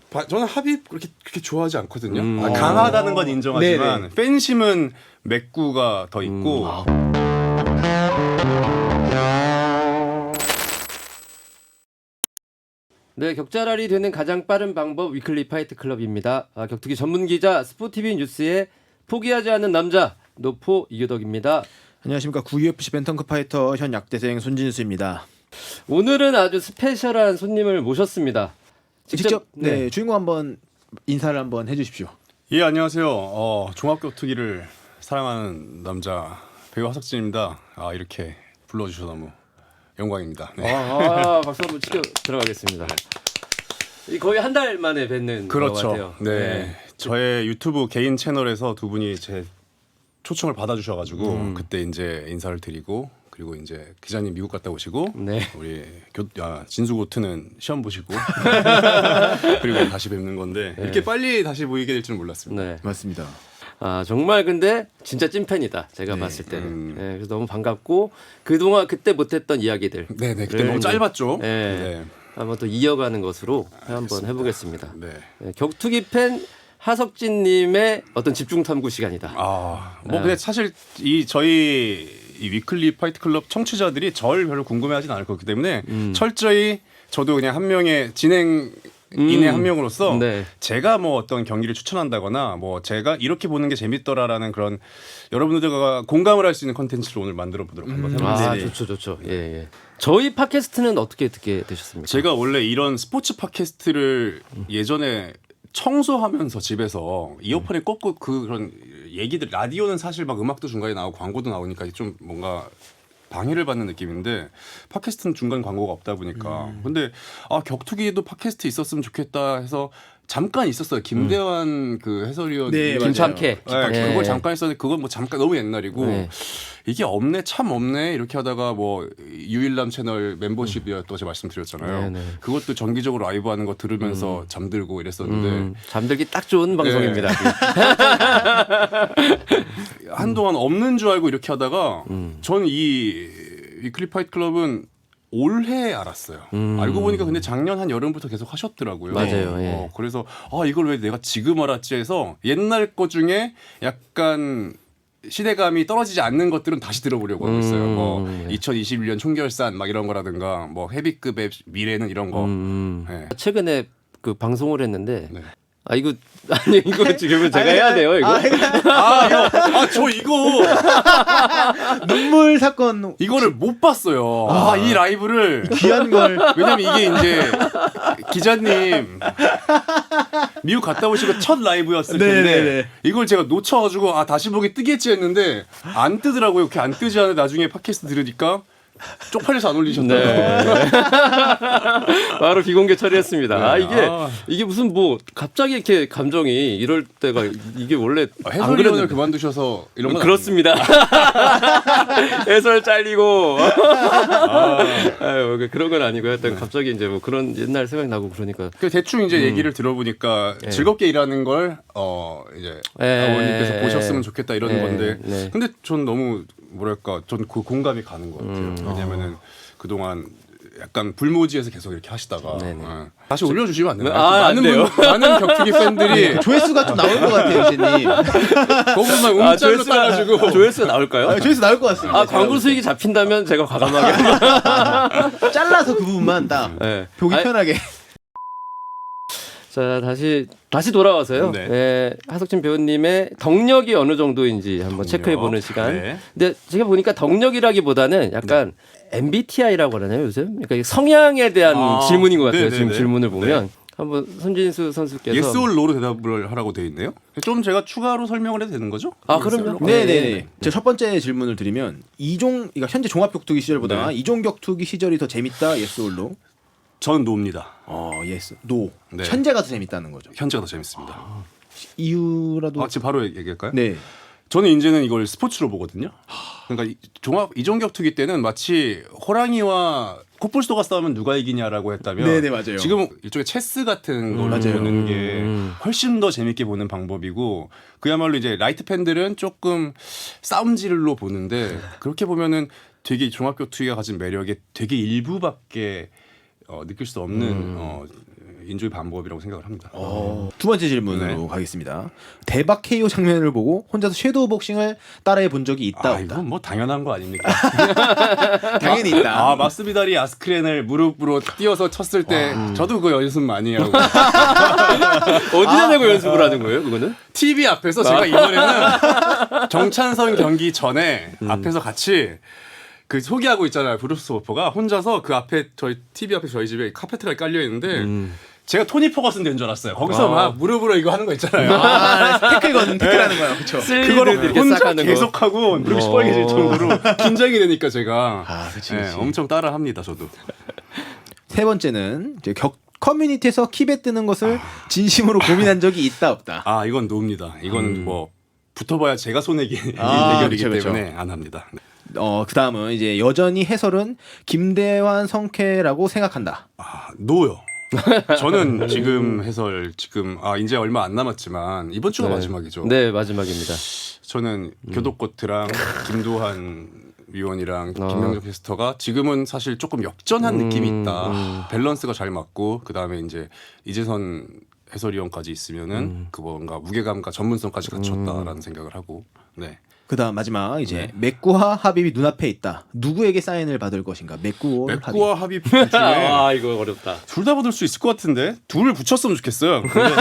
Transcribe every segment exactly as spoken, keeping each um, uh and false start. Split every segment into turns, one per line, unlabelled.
바, 저는 합의 그렇게 그렇게 좋아하지 않거든요.
음.
아, 강하다는 건 인정하지만
네네.
팬심은 맥구가 더 있고.
음. 아. 네, 격자랄이 되는 가장 빠른 방법 위클리 파이트 클럽입니다. 아, 격투기 전문 기자 스포티비 뉴스의 포기하지 않는 남자 노포 이교덕입니다.
안녕하십니까. 구유에프씨 벤턴급 파이터 현 약대생 손진수입니다.
오늘은 아주 스페셜한 손님을 모셨습니다.
직접,
직접
네,
네.
주인공 한번 인사를 한번 해주십시오.
예, 안녕하세요. 어, 종합격투기를 사랑하는 남자 배우 하석진입니다. 아, 이렇게 불러주셔서 너무 영광입니다. 네.
아, 아, 박수 한번 치켜 들어가겠습니다. 이 거의 한 달 만에 뵙는 것
그렇죠.
같아요.
네.
네.
저의 유튜브 개인 채널에서 두 분이 제 초청을 받아주셔가지고
음.
그때 이제 인사를 드리고 그리고 이제 기자님 미국 갔다 오시고
네.
우리 교, 아, 진수고트는 시험 보시고 그리고 다시 뵙는 건데
네.
이렇게 빨리 다시 보이게 될 줄은 몰랐습니다.
네.
맞습니다.
아 정말 근데 진짜 찐팬이다 제가
네.
봤을 때는.
음.
네, 그래서 너무 반갑고 그동안 그때 못했던 이야기들
네네 그때 너무 짧았죠.
네.
네.
한번 또 이어가는 것으로 한번 해보겠습니다.
네.
네, 격투기 팬 하석진님의 어떤 집중 탐구 시간이다.
아, 뭐
네.
근데 사실 이 저희 이 위클리 파이트 클럽 청취자들이 절 별로 궁금해하진 않을 거기 때문에
음.
철저히 저도 그냥 한 명의 진행인의
음.
한 명으로서
네.
제가 뭐 어떤 경기를 추천한다거나 뭐 제가 이렇게 보는 게 재밌더라라는 그런 여러분들과 공감을 할 수 있는 컨텐츠를 오늘 만들어 보도록 한번 해보겠습니다.
아
네네.
좋죠 좋죠. 예 예. 저희 팟캐스트는 어떻게 듣게 되셨습니까?
제가 원래 이런 스포츠 팟캐스트를 예전에 청소하면서 집에서 이어폰에 꽂고 그런 얘기들 라디오는 사실 막 음악도 중간에 나오고 광고도 나오니까 좀 뭔가 방해를 받는 느낌인데 팟캐스트는 중간 광고가 없다 보니까
음.
근데 아 격투기에도 팟캐스트 있었으면 좋겠다 해서 잠깐 있었어요. 김대환
음.
그 해설위원
네,
김참캐.
네,
네.
그걸 잠깐 했었는데 그건 뭐 잠깐 너무 옛날이고
네.
이게 없네 참 없네 이렇게 하다가 뭐 유일남 채널 멤버십이었다고 제가 말씀드렸잖아요.
네, 네.
그것도 정기적으로 라이브 하는 거 들으면서 잠들고 이랬었는데
음, 잠들기 딱 좋은 방송입니다.
한동안 없는 줄 알고 이렇게 하다가
음.
저는 이 위클리 파이트 클럽은 올해 알았어요.
음.
알고 보니까 근데 작년 한 여름부터 계속 하셨더라고요.
맞아요, 예.
어, 그래서 아 이걸 왜 내가 지금 알았지 해서 옛날 거 중에 약간 시대감이 떨어지지 않는 것들은 다시 들어보려고 하고 있어요.
음,
뭐
예.
이천이십일 년 총결산 막 이런 거라든가 뭐 헤비급의 미래는 이런 거.
음,
네.
최근에 그 방송을 했는데
네.
아 이거 아니 이거 지금은 제가 해야 돼요 이거.
아, 형, 아, 저 이거
눈물 사건
이거를 못 봤어요. 아, 이 라이브를
귀한 걸
왜냐면 이게 이제 기자님 미국 갔다 오시고 첫 라이브였을 텐데
네네네.
이걸 제가 놓쳐가지고 아 다시 보기 뜨겠지 했는데 안 뜨더라고요. 이렇게 안 뜨지 않아 나중에 팟캐스트 들으니까 쪽팔려서 안 올리셨더라고요.
네. 바로 비공개 처리했습니다.
네.
아 이게
아.
이게 무슨 뭐 갑자기 이렇게 감정이 이럴 때가 이게 원래 안
해설위원을
그랬는데.
그만두셔서 이런 건
그렇습니다. 해설 잘리고. 아유, 그- 그런 건 아니고 하여튼 갑자기 이제 뭐 그런 옛날 생각이 나고 그러니까.
그 대충 이제 얘기를 들어보니까
네.
즐겁게 일하는 걸 어 이제
네.
아버님께서 보셨으면 좋겠다 이런
네.
건데
네.
근데 전 너무 뭐랄까 전 그 공감이 가는 것 같아요.
음.
왜냐면은 그동안 약간 불모지에서 계속 이렇게 하시다가
네네.
어. 다시 올려주시면 안 되나요?
아, 안
많은
돼요.
분, 많은 격투기 팬들이
조회수가 좀 나올 것 같아요, 이제님.
거기만
아,
움짤로
조회수가-
따가지고
조회수가 나올까요?
아, 조회수 나올 것 같습니다.
아, 광고 수익이 잡힌다면 제가 과감하게.
잘라서 그 부분만 딱
네.
보기
아니,
편하게.
자, 다시 다시 돌아와서요.
네.
네, 하석진 배우님의 덕력이 어느 정도인지 한번 체크해 보는 시간.
네.
근데 제가 보니까 덕력이라기보다는 약간 엠비티아이라고 하나요, 요즘? 그러니까 성향에 대한
아,
질문인 것 같아요.
네네네.
지금 질문을 보면. 한번 손진수 선수께서
예스 올 노로 대답을 하라고 돼 있네요. 좀 제가 추가로 설명을 해도 되는 거죠?
아,
Yes
그럼요.
or no?
네.
네네네. 제가 첫 번째 질문을 드리면 이종, 그러니까 현재 종합격투기 시절보다
네.
이종 격투기 시절이 더 재밌다. 예스 올로.
전 노입니다.
어, 예스. 노.
네.
현재가 더 재밌다는 거죠.
현재가 더 재밌습니다.
이유라도.
아, 지금 바로 얘기할까요?
네.
저는 이제는 이걸 스포츠로 보거든요. 그러니까 이- 종합 이종격투기 때는 마치 호랑이와 코뿔소가 싸우면 누가 이기냐라고 했다면
네네, 맞아요.
지금 일종의 체스 같은 걸
맞아요.
보는 게
음.
훨씬 더 재밌게 보는 방법이고 그야말로 이제 라이트 팬들은 조금 싸움질로 보는데 그렇게 보면은 되게 종합격투기가 가진 매력의 되게 일부밖에 어, 느낄 수 없는
음.
어, 인조의 반복이라고 생각을 합니다.
어, 두 번째 질문으로
네.
가겠습니다. 대박 케이오 장면을 보고 혼자서 섀도우 복싱을 따라해 본 적이 있다
아,
없다.
이건 뭐 당연한 거 아닙니까?
당연히 있다.
아, 마스비다리 아스크렌을 무릎으로 띄어서 쳤을 때 저도 그 연습 많이 하고
어디다 대고 연습을 하는 거예요, 그거는?
티비 앞에서 제가 이번에는 정찬선 경기 전에 앞에서 같이 그 소개하고 있잖아요. 브루스 워퍼가 혼자서 그 앞에 저희 티비 앞에 저희 집에 카페트가 깔려 있는데 제가 토니 포거슨 된 줄 알았어요. 거기서
아.
막 무릎으로 이거 하는 거 있잖아요.
아, 태클 건 태클하는 거예요. 그렇죠.
그거를
이렇게 싹
혼자
하는 거.
계속하고 무릎이
어.
시뻘개질 정도로 긴장이 되니까 제가
아, 그치,
네,
그치.
엄청 따라합니다. 저도.
세 번째는 이제 격 커뮤니티에서 킵에 뜨는 것을 진심으로 고민한 적이 있다 없다.
아, 이건 노입니다. 이건 뭐 붙어봐야 제가 손해기
아,
대결이기
그쵸, 그쵸.
때문에 안 합니다. 네.
어, 그다음은 이제 여전히 해설은 김대환 성캐라고 생각한다.
아, 노요. 저는 지금 해설 지금 아 이제 얼마 안 남았지만 이번 주가
네.
마지막이죠.
네, 마지막입니다.
저는 교도코트랑 김도한 위원이랑
어.
김명정 캐스터가 지금은 사실 조금 역전한
음,
느낌이 있다.
음.
밸런스가 잘 맞고 그 다음에 이제 이재선 해설위원까지 있으면은
음.
그 뭔가 무게감과 전문성까지 갖췄다라는 생각을 하고 네.
그다음 마지막 이제
네.
맥구와 하빕이 눈앞에 있다. 누구에게 사인을 받을 것인가? 맥구와 하빕.
맥구와 하빕 둘 중에
아, 이거 어렵다.
둘 다 받을 수 있을 것 같은데 둘을 붙였으면 좋겠어요. 근데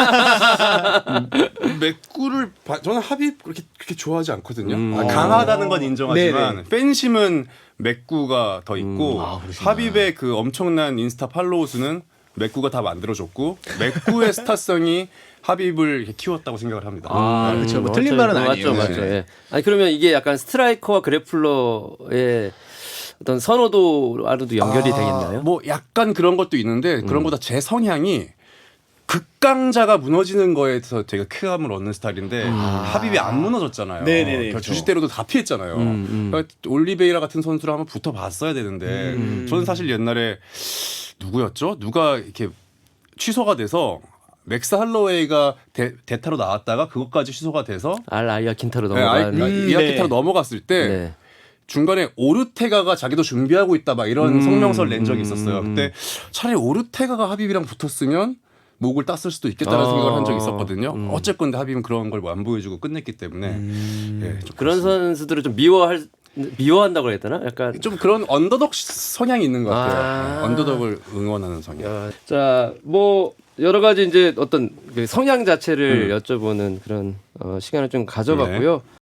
음, 맥구를 바- 저는 합입 그렇게 그렇게 좋아하지 않거든요.
음.
아, 강하다는 건 인정하지만
네네.
팬심은 맥구가 더 있고
아, 그러시구나.
합입의 그 엄청난 인스타 팔로우 수는 맥구가 다 만들어줬고 맥구의 스타성이 합입을 이렇게 키웠다고 생각을 합니다.
아, 그렇죠. 뭐 틀린 말은 아니에요.
맞죠, 맞죠.
네.
예. 아니 그러면 이게 약간 스트라이커와 그래플러의 어떤 선호도와도 연결이
아,
되겠나요?
뭐 약간 그런 것도 있는데 그런 것보다 제 성향이 극강자가 무너지는 거에서 되게 쾌감을 얻는 스타일인데 합입이 안 무너졌잖아요.
네네네,
그러니까
그렇죠.
주짓대로도 다 피했잖아요.
음, 음.
그러니까 올리베이라 같은 선수를 한번 붙어봤어야 되는데
음.
저는 사실 옛날에 누구였죠? 누가 이렇게 취소가 돼서 맥스 할로웨이가 대, 대타로 나왔다가 그것까지 취소가 돼서
알 아이아 킨타로
네, 아이-
넘어간.
음,
이아키타로
네.
넘어갔을 때
네.
중간에 오르테가가 자기도 준비하고 있다 막 이런
음,
성명서를 낸 적이 있었어요.
음,
그때 차라리 오르테가가 하빕이랑 붙었으면 목을 땄을 수도 있겠다는
어,
생각을 한 적이 있었거든요.
음.
어쨌건 하빕은 그런 걸 안 보여주고 끝냈기 때문에 예, 좀
그런
그렇습니다.
선수들을 좀 미워할 미워한다고 해야 되나? 약간
좀 그런 언더독 성향이 있는 것 같아요.
아.
언더독을 응원하는 성향.
야, 자, 뭐 여러 가지 이제 어떤 그 성향 자체를 여쭤보는 그런 어, 시간을 좀 가져봤고요.